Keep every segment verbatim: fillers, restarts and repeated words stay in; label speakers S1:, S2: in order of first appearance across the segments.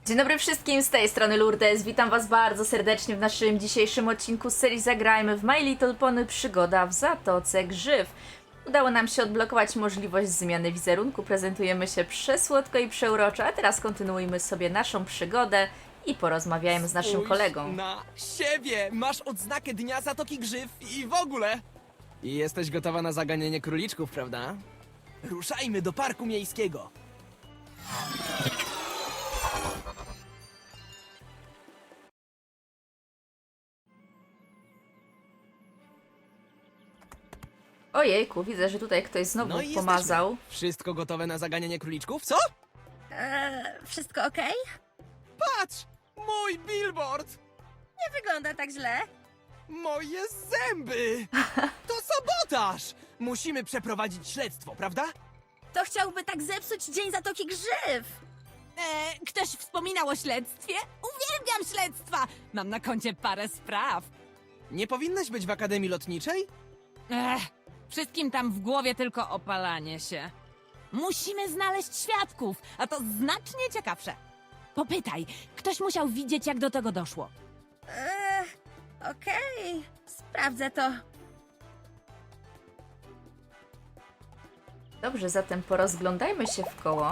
S1: Dzień dobry wszystkim, z tej strony Lourdes. Witam was bardzo serdecznie w naszym dzisiejszym odcinku z serii Zagrajmy w My Little Pony Przygoda w Zatoce Grzyw. Udało nam się odblokować możliwość zmiany wizerunku, prezentujemy się przesłodko i przeuroczo, a teraz kontynuujmy sobie naszą przygodę i porozmawiajmy z naszym
S2: Spójrz
S1: kolegą.
S2: na siebie! Masz odznakę Dnia Zatoki Grzyw i w ogóle! I jesteś gotowa na zaganianie króliczków, prawda? Ruszajmy do parku miejskiego!
S1: Ojejku, widzę, że tutaj ktoś znowu
S2: No i
S1: pomazał.
S2: jesteśmy. Wszystko gotowe na zaganianie króliczków? Co?
S3: Eee, wszystko okej?
S2: Patrz! Mój billboard!
S3: Nie wygląda tak źle.
S2: Moje zęby! To sabotaż! Musimy przeprowadzić śledztwo, prawda?
S3: To chciałby tak zepsuć Dzień Zatoki Grzyw.
S4: E, ktoś wspominał o śledztwie? Uwielbiam śledztwa! Mam na koncie parę spraw.
S2: Nie powinnaś być w Akademii Lotniczej?
S4: Ech, wszystkim tam w głowie tylko opalanie się. Musimy znaleźć świadków, a to znacznie ciekawsze. Popytaj, ktoś musiał widzieć, jak do tego doszło.
S3: Eee, okej. Sprawdzę to.
S1: Dobrze, zatem porozglądajmy się w koło.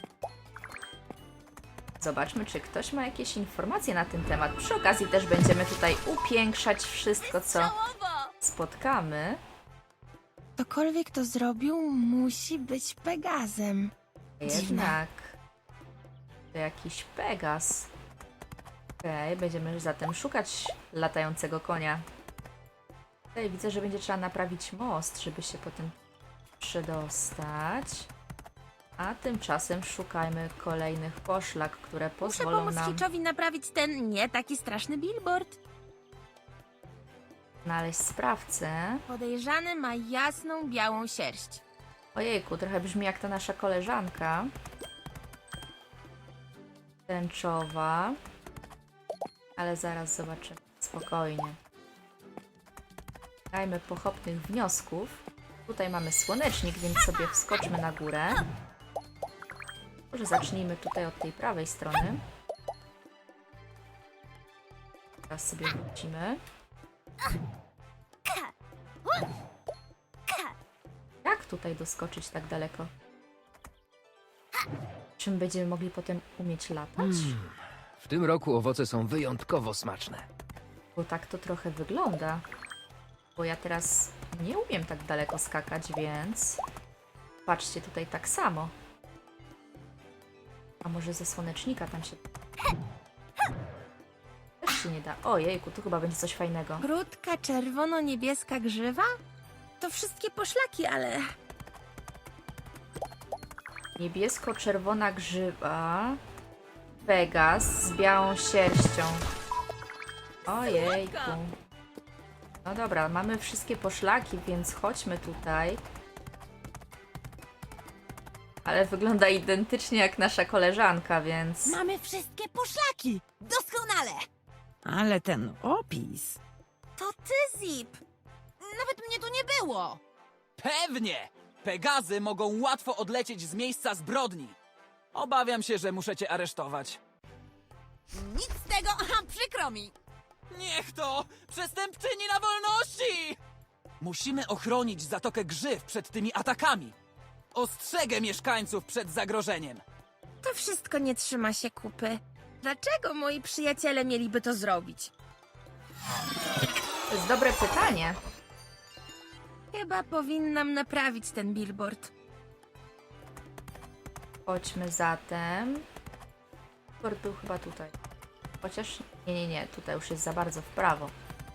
S1: Zobaczmy, czy ktoś ma jakieś informacje na ten temat. Przy okazji też będziemy tutaj upiększać wszystko, co
S3: Całowo!
S1: spotkamy.
S3: Ktokolwiek to zrobił, musi być Pegazem.
S1: Jednak to jakiś Pegas. Okej, okay, będziemy zatem szukać latającego konia. Tutaj widzę, że będzie trzeba naprawić most, żeby się potem przedostać. A tymczasem szukajmy kolejnych poszlak, które
S3: Muszę
S1: pozwolą
S3: pomóc
S1: nam
S3: Hitchowi naprawić ten nie taki straszny billboard.
S1: znaleźć sprawcę.
S3: Podejrzany ma jasną, białą sierść.
S1: Ojejku, trochę brzmi jak ta nasza koleżanka. Tęczowa. Ale zaraz zobaczymy. Spokojnie. Dajmy pochopnych wniosków. Tutaj mamy słonecznik, więc sobie wskoczmy na górę. Może zacznijmy tutaj od tej prawej strony. Teraz sobie wrócimy. Jak tutaj doskoczyć tak daleko? Czym będziemy mogli potem umieć latać?
S5: W tym roku owoce są wyjątkowo smaczne.
S1: Bo tak to trochę wygląda. Bo ja teraz nie umiem tak daleko skakać, więc... Patrzcie, tutaj tak samo. A może ze słonecznika tam się... Też się nie da. Ojejku, tu chyba będzie coś fajnego.
S3: Krótka, czerwono-niebieska grzywa? To wszystkie poszlaki, ale...
S1: Niebiesko-czerwona grzywa. Pegas z białą sierścią. Ojejku. No dobra, mamy wszystkie poszlaki, więc chodźmy tutaj. Ale wygląda identycznie jak nasza koleżanka, więc...
S4: Mamy wszystkie poszlaki! Doskonale! Ale ten opis...
S3: To ty, Zip!
S4: Nawet mnie tu nie było!
S2: Pewnie! Pegazy mogą łatwo odlecieć z miejsca zbrodni. Obawiam się, że muszę cię aresztować.
S4: Nic z tego, aha, przykro mi!
S2: Niech to! Przestępczyni na wolności! Musimy ochronić Zatokę Grzyw przed tymi atakami. Ostrzegę mieszkańców przed zagrożeniem.
S3: To wszystko nie trzyma się kupy. Dlaczego moi przyjaciele mieliby to zrobić?
S1: To jest dobre pytanie.
S3: Chyba powinnam naprawić ten billboard.
S1: Chodźmy zatem. Port był chyba tutaj. Chociaż... Nie, nie, nie. Tutaj już jest za bardzo w prawo.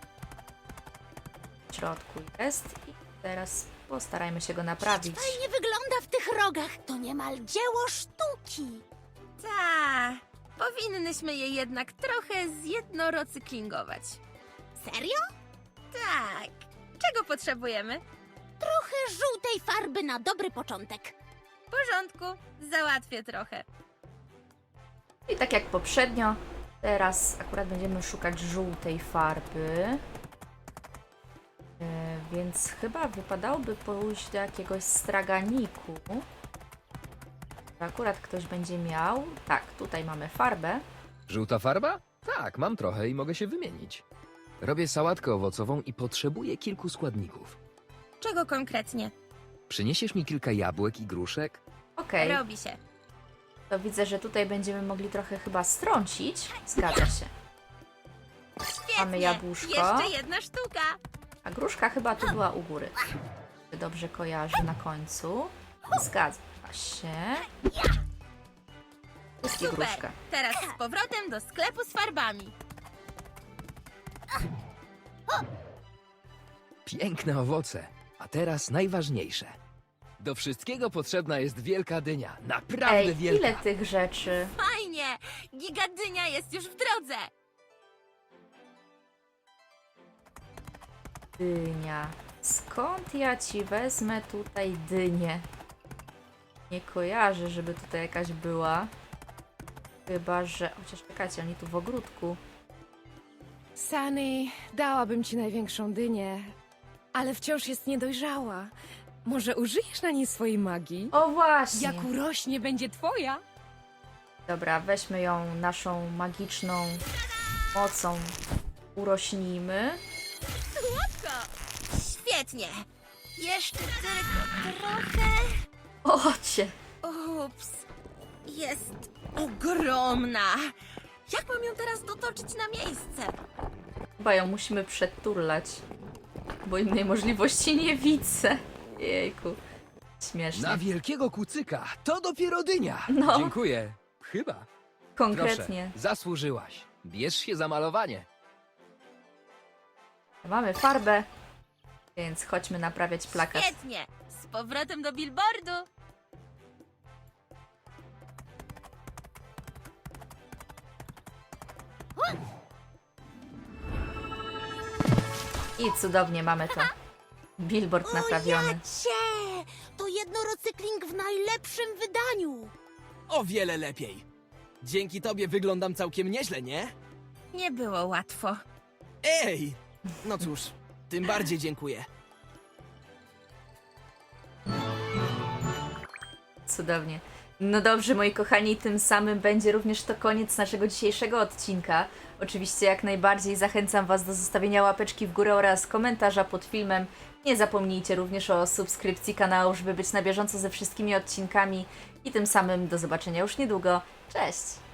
S1: W środku jest. I teraz postarajmy się go naprawić.
S6: Nie wygląda w tych rogach. To niemal dzieło sztuki.
S3: Ta, powinnyśmy je jednak trochę zjednorocyklingować.
S6: Serio?
S3: Tak. Czego potrzebujemy?
S6: Trochę żółtej farby na dobry początek.
S3: W porządku, załatwię trochę.
S1: I tak jak poprzednio, teraz akurat będziemy szukać żółtej farby. E, więc chyba wypadałoby pójść do jakiegoś straganiku. Akurat ktoś będzie miał... Tak, tutaj mamy farbę.
S5: Żółta farba? Tak, mam trochę i mogę się wymienić. Robię sałatkę owocową i potrzebuję kilku składników.
S3: Czego konkretnie?
S5: Przyniesiesz mi kilka jabłek i gruszek?
S1: Okej,
S3: Robi się.
S1: to widzę, że tutaj będziemy mogli trochę chyba strącić. Zgadza się. Mamy jabłuszko.
S3: Jeszcze jedna sztuka.
S1: A gruszka chyba tu była u góry. Dobrze kojarzy na końcu. Zgadza się. Jest i
S3: Super.
S1: gruszka.
S3: Teraz z powrotem do sklepu z farbami.
S5: Piękne owoce. A teraz najważniejsze. Do wszystkiego potrzebna jest wielka dynia. Naprawdę
S1: Ej,
S5: wielka.
S1: ile tych rzeczy.
S3: Fajnie! Gigadynia jest już w drodze.
S1: Dynia. Skąd ja ci wezmę tutaj dynię? Nie kojarzę, żeby tutaj jakaś była. Chyba, że... Chociaż czekajcie, oni tu w ogródku.
S7: Sunny, dałabym ci największą dynię, ale wciąż jest niedojrzała. Może użyjesz na niej swojej magii?
S1: O właśnie!
S7: Jak urośnie, będzie twoja.
S1: Dobra, weźmy ją naszą magiczną mocą. Urośnijmy.
S3: Świetnie. Jeszcze tylko trochę.
S1: Ocie!
S3: Ups. Jest ogromna. Jak mam ją teraz dotoczyć na miejsce?
S1: Chyba ją musimy przeturlać. Bo innej możliwości nie widzę. Jejku. Śmiesznie.
S5: Na wielkiego kucyka. To dopiero dynia.
S1: No.
S5: Dziękuję. Chyba.
S1: Konkretnie.
S5: Proszę, zasłużyłaś. Bierz się za malowanie.
S1: Mamy farbę. Więc chodźmy naprawiać plakat.
S3: Świetnie. Z powrotem do billboardu.
S1: I cudownie mamy to. Billboard naprawiony.
S6: Ojacie! To jednorocykling w najlepszym wydaniu.
S2: O wiele lepiej. Dzięki tobie wyglądam całkiem nieźle, nie?
S3: Nie było łatwo.
S2: Ej! No cóż, tym bardziej dziękuję.
S1: Cudownie. No dobrze, moi kochani, tym samym będzie również to koniec naszego dzisiejszego odcinka. Oczywiście jak najbardziej zachęcam Was do zostawienia łapeczki w górę oraz komentarza pod filmem. Nie zapomnijcie również o subskrypcji kanału, żeby być na bieżąco ze wszystkimi odcinkami. I tym samym do zobaczenia już niedługo. Cześć!